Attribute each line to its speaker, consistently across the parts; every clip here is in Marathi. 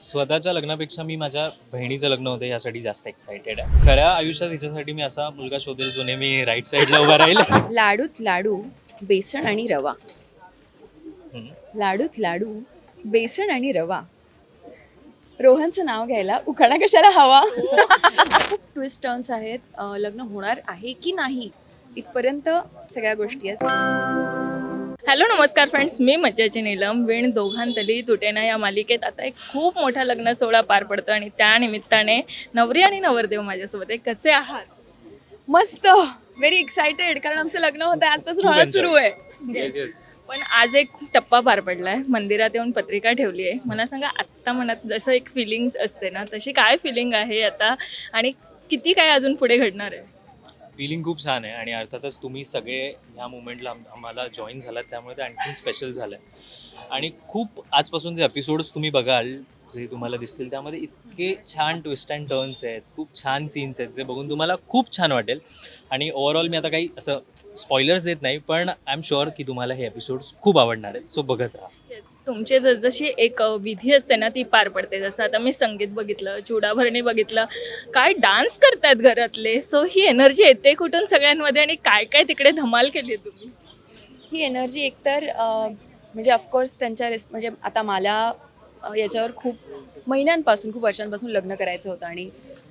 Speaker 1: स्वतःच्या लग्नापेक्षा मी माझ्या बहिणीचं लग्न होतं यासाठी जास्त एक्सायटेड आहे. खऱ्या आयुष्यात हिच्यासाठी मी असा मुलगा शोधेल जो नेहमी राईट साईडला उभा राहील.
Speaker 2: लाडूत लाडू बेसन आणि रवा.
Speaker 1: हम्म.
Speaker 2: लाडूत लाडू बेसन आणि रवा. रोहनचं नाव घ्यायला उखाणा कशाला हवा. खूप ट्विस्ट टर्न्स आहेत. लग्न होणार आहे की नाही इथपर्यंत सगळ्या गोष्टी आहेत.
Speaker 3: हॅलो नमस्कार फ्रेंड्स, मी मज्जाची नीलम. वीण दोघांतली तुटेना या मालिकेत आता एक खूप मोठा लग्न सोहळा पार पडतो आणि त्या निमित्ताने नवरी आणि नवरदेव माझ्यासोबत आहे. कसे आहात?
Speaker 2: मस्त, व्हेरी एक्सायटेड, कारण आमचं लग्न होतं, आजपासून हळद सुरू आहे.
Speaker 1: Yes, yes.
Speaker 3: पण आज एक टप्पा पार पडलाय. मंदिरात येऊन पत्रिका ठेवली आहे. मला सांगा, आत्ता मनात जसं एक फिलिंग्स असते ना, तशी काय फिलिंग आहे आता आणि किती काय अजून पुढे घडणार आहे?
Speaker 1: फिलिंग खूप छान आहे आणि अर्थातच तुम्ही सगळे ह्या मुवमेंटला आम्हाला जॉईन झालात, त्यामुळे ते आणखी स्पेशल झालं आहे. आणि खूप आजपासून जे एपिसोड्स तुम्ही बघाल, जे तुम्हाला दिसतील, त्यामध्ये इतके छान ट्विस्ट अँड टर्न्स आहेत, खूप छान सीन्स आहेत, जे बघून तुम्हाला खूप छान वाटेल. आणि ओव्हरऑल मी आता काही असं स्पॉयलर्स देत नाही, पण आय एम शुअर की तुम्हाला हे एपिसोड्स खूप आवडणार आहेत. सो बघत राहा.
Speaker 3: तुमचे जशी एक विधी असते ना, ती पार पडते. जसं आता मी संगीत बघितलं, चुडाभरणी बघितलं, काय डान्स करतायत घरातले. सो ही एनर्जी येते कुठून सगळ्यांमध्ये आणि काय काय तिकडे धमाल केली आहे तुम्ही?
Speaker 2: ही एनर्जी एकतर म्हणजे ऑफकोर्स त्यांच्या म्हणजे आता मला याच्यावर खूप महिन्यांपासून, खूप वर्षांपासून लग्न करायचं होतं आणि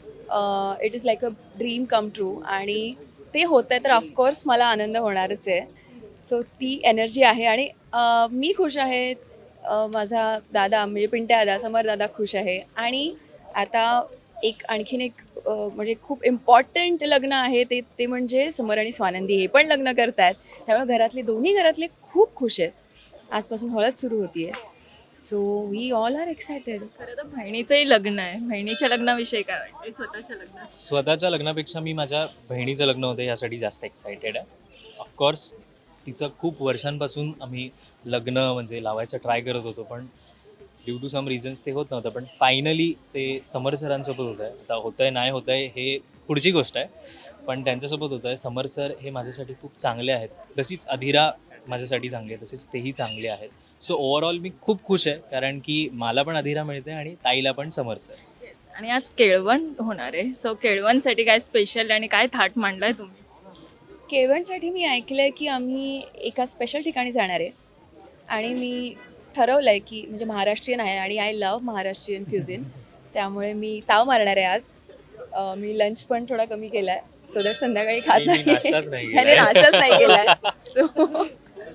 Speaker 2: it is like a dream come true, आणि ते होत आहे तर ऑफकोर्स मला आनंद होणारच आहे. सो ती एनर्जी आहे आणि मी खुश आहे. माझा दादा म्हणजे पिंट्या दादा, समर दादा खुश आहे. आणि आता आणखीन एक म्हणजे खूप इम्पॉर्टंट लग्न आहे ते ते म्हणजे समर आणि स्वानंदी हे पण लग्न करत आहेत. त्यामुळे दोन्ही घरातले खूप खुश आहेत. आजपासून हळद सुरू होती आहे. So we all are excited.
Speaker 3: खरं तर बहिणीचंही लग्न आहे. बहिणीच्या लग्नाविषयी काय वाटते? स्वतःच्या लग्नात
Speaker 1: स्वतःच्या लग्नापेक्षा मी माझ्या बहिणीचं लग्न होतं यासाठी जास्त एक्सायटेड आहे. ऑफकोर्स तिचं खूप वर्षांपासून आम्ही लग्न म्हणजे लावायचं ट्राय करत होतो, पण ड्यू टू सम रिझन्स ते होत नव्हतं. पण फायनली ते समर सरांसोबत होतं आहे. आता होतं आहे नाही होतं आहे हे पुढची गोष्ट आहे, पण त्यांच्यासोबत होतं आहे. समर सर हे माझ्यासाठी खूप चांगले आहेत, जशीच अधीरा माझ्यासाठी चांगली आहे तसेच तेही चांगले आहेत. सो ओव्हरऑल मी खूप खुश आहे, कारण की मला पण अधीरा मिळते आणि ताईला पण समर सर.
Speaker 3: आणि आज केळवण होणार आहे. सो केळवणसाठी काय स्पेशल आणि काय थाट मांडलाय तुम्ही?
Speaker 2: केळवणसाठी मी ऐकलं आहे की आम्ही एका स्पेशल ठिकाणी जाणार आहे आणि मी ठरवलं आहे की म्हणजे महाराष्ट्रीयन आहे आणि आय लव्ह महाराष्ट्रीयन क्युझिन, त्यामुळे मी ताव मारणार आहे आज. मी लंच पण थोडा कमी केला आहे, सो दॅट संध्याकाळी खात
Speaker 1: मी
Speaker 2: नाही.
Speaker 1: नाश्ताच नाही केलाय.
Speaker 2: त्याने नाश्ताच नाही केला आहे. सो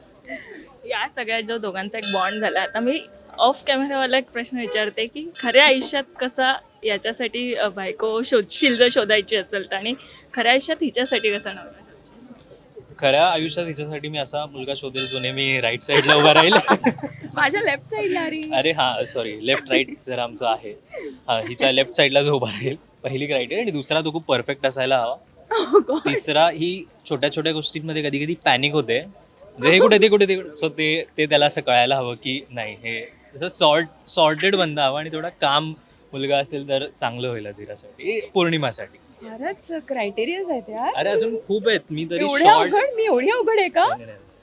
Speaker 3: या सगळ्यात जो दोघांचा एक बॉन्ड झाला, आता मी ऑफ कॅमेरावाला एक प्रश्न विचारते की खऱ्या आयुष्यात कसा याच्यासाठी बायको शोधशील जर शोधायची असेल तर, आणि खऱ्या आयुष्यात हिच्यासाठी कसा नवरा?
Speaker 1: खऱ्या आयुष्यात हिच्यासाठी मी असा मुलगा शोधेल जो नेहमी राईट साईडला उभा राहील.
Speaker 2: माझ्या लेफ्ट साईडला
Speaker 1: अरे हां, सॉरी, लेफ्ट राईट जर आमचं आहे, हां, हिच्या लेफ्ट साईडला जो उभा राहील, पहिली क्रायटेरिया. आणि दुसरा तो खूप परफेक्ट असायला हवा. तिसरा ही छोट्या छोट्या गोष्टींमध्ये कधी कधी पॅनिक होते, म्हणजे हे कुठे ते कुठे ते, सो ते त्याला असं कळायला हवं की नाही, हे जसं सॉर्टेड बंदा हवा आणि थोडा काम मुलगा असेल तर चांगलं होईल अधीरासाठी, पौर्णिमासाठी.
Speaker 2: फारच क्रायटेरियाज आहेत यार.
Speaker 1: अरे अजून खूप आहेत, मी तरी
Speaker 2: एवढ्या अवघड? मी एवढी अवघड आहे का?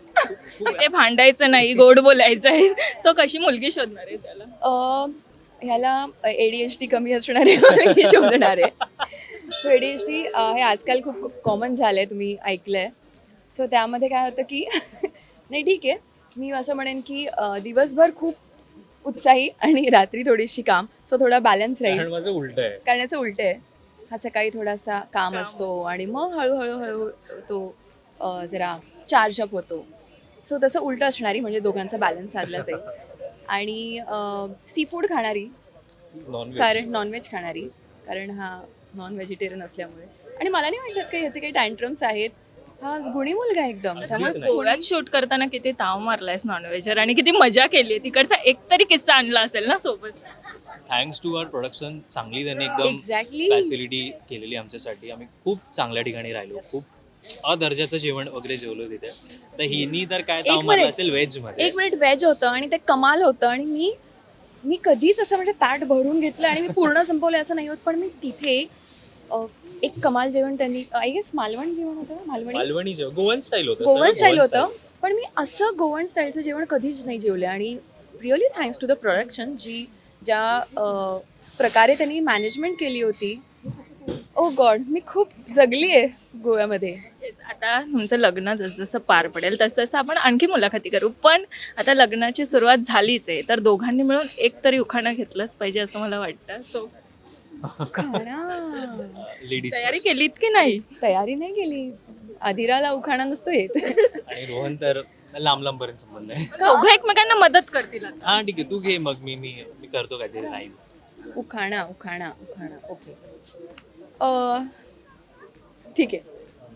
Speaker 3: ते भांडायचं नाही, गोड बोलायचं आहे. सो कशी मुलगी शोधणार आहे त्याला?
Speaker 2: ह्याला ADHD कमी असणारे मुलगी शोधणार आहे. सो ADHD हे आजकाल खूप कॉमन झालं आहे, तुम्ही ऐकलं आहे. सो त्यामध्ये काय होतं की नाही ठीक आहे, मी असं म्हणेन की दिवसभर खूप उत्साही आणि रात्री थोडीशी काम, सो थोडा बॅलन्स राहील.
Speaker 1: कारण माझं उलट आहे.
Speaker 2: करण्याचं उलट आहे. हा सकाळी थोडासा काम असतो आणि मग हळूहळू तो जरा चार्ज अप होतो. सो तसं उलटं असणारी, म्हणजे दोघांचा बॅलन्स साधला जाईल. आणि सी फूड खाणारी,
Speaker 1: नॉनव्हेज.
Speaker 2: कारण नॉनव्हेज खाणारी, कारण हा नॉन व्हेजिटेरियन असल्यामुळे. आणि मला नाही वाटत काही ह्याचे काही टँट्रम्स आहेत. हा गुणी मुलगा आहे एकदम. त्यामुळे
Speaker 1: नाही.
Speaker 3: गोव्यात शूट करताना किती ताव मारलायस नॉनव्हेजर आणि किती मजा केली. तिकडचा एकतरी किस्सा आणला असेल ना सोबत?
Speaker 1: थँक्स टू आवर प्रोडक्शन, चांगली त्यांनी एकदम
Speaker 2: एक्झॅक्टली
Speaker 1: फॅसिलिटी केलेली आमच्यासाठी. आम्ही खूप चांगल्या ठिकाणी राहिलो, खूप अदर्जाचं जेवण वगैरे जेवलो तिथे. तर हिनी तर काय ताव मारला असेल व्हेज मध्ये.
Speaker 2: एक मिनिट व्हेज होतं आणि ते कमाल होतं. आणि मी कधीच असं म्हणजे ताट भरून घेतलं आणि मी पूर्ण संपवलं असं नाही होत, पण मी तिथे एक कमाल जेवण त्यांनी, आय गेस मालवण जेवण होतं ना,
Speaker 1: मालवणी जेवण, गोवन स्टाईल होतं.
Speaker 2: गोवन स्टाईल होतं. पण मी असं गोवन स्टाईलचं जेवण कधीच नाही जेवलं. आणि really thanks to the production, जी ज्या प्रकारे त्यांनी मॅनेजमेंट केली होती, ओ गॉड, मी खूप जगली आहे गोव्यामध्ये.
Speaker 3: Yes, आता तुमचं लग्न जसं पार पडेल तसं आपण आणखी मुलाखती करू, पण आता लग्नाची सुरुवात झालीच आहे, तर दोघांनी मिळून एक तरी उखाणं घेतलंच पाहिजे असं मला वाटतं. सो
Speaker 2: उखाणा
Speaker 1: लेडीज
Speaker 3: तयारी केलीत की नाही?
Speaker 2: तयारी नाही केली. अधिराला उखाणा नसतो येत.
Speaker 1: आणि रोहन तर लांब लांबपर्यंत संबंध आहे.
Speaker 3: दोघं एकमेकांना मदत करतील आता.
Speaker 1: हा ठीक आहे, तू घे मग, मी करतो काहीतरी राहील.
Speaker 2: उखाणा उखाणा उखाणा ओके. ठीक आहे.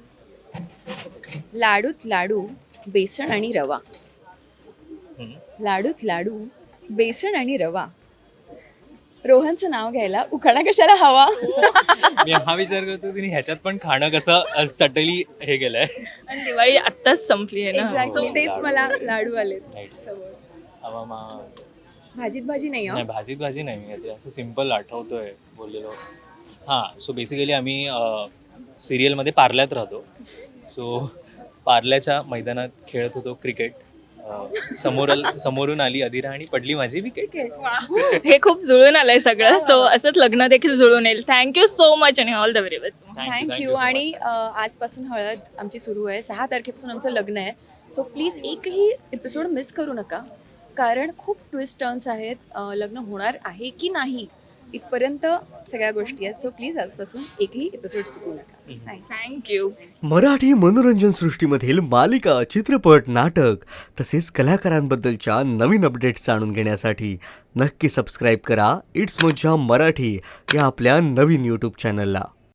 Speaker 2: लाडूत लाडू, बेसन आणि रवा. लाडूत लाडू, बेसन आणि रवा. रोहनचं नाव घ्यायला उखाणा कशाला हवा?
Speaker 1: मी हा विचार करतो की ह्याच्यात पण खाणं कसं सटली हे गेलंय.
Speaker 3: आणि दिवाळी आत्ताच संपली आहे ना.
Speaker 2: एक्झॅक्टली, तेच मला लाडू आले
Speaker 1: Right.
Speaker 2: समोर.
Speaker 1: हवा मा
Speaker 2: भाजीत भाजी नाही
Speaker 1: नाही, भाजी नाही, मी असं सिम्पल आठवतोय बोललेलो. हां, सो बेसिकली आम्ही सिरियलमध्ये पार्ल्यात राहतो. सो पार्ल्याच्या मैदानात खेळत होतो क्रिकेट. समोरून आली अधिरा आणि पडली माझी विकेट.
Speaker 3: हे खूप जुळून आलंय सगळं. सो असंच लग्न देखील जुळून येईल. थँक्यू सो मच आणि all the very best.
Speaker 2: Thank you. आणि आजपासून हळद आमची सुरू आहे. 6 तारखेपासून आमचं लग्न आहे. सो प्लीज एकही एपिसोड मिस करू नका, कारण खूप ट्विस्ट टर्न्स आहेत. लग्न होणार आहे की नाही इथपर्यंत सगळ्या गोष्टी आहेत. सो प्लीज आजपासून एकही एपिसोड चुकू नका.
Speaker 3: थँक्यू.
Speaker 4: मराठी मनोरंजन सृष्टीमधील मालिका, चित्रपट, नाटक तसेच कलाकारांबद्दलच्या नवीन अपडेट्स जाणून घेण्यासाठी नक्की सबस्क्राईब करा इट्स मज्जा मराठी या आपल्या नवीन यूट्यूब चॅनलला.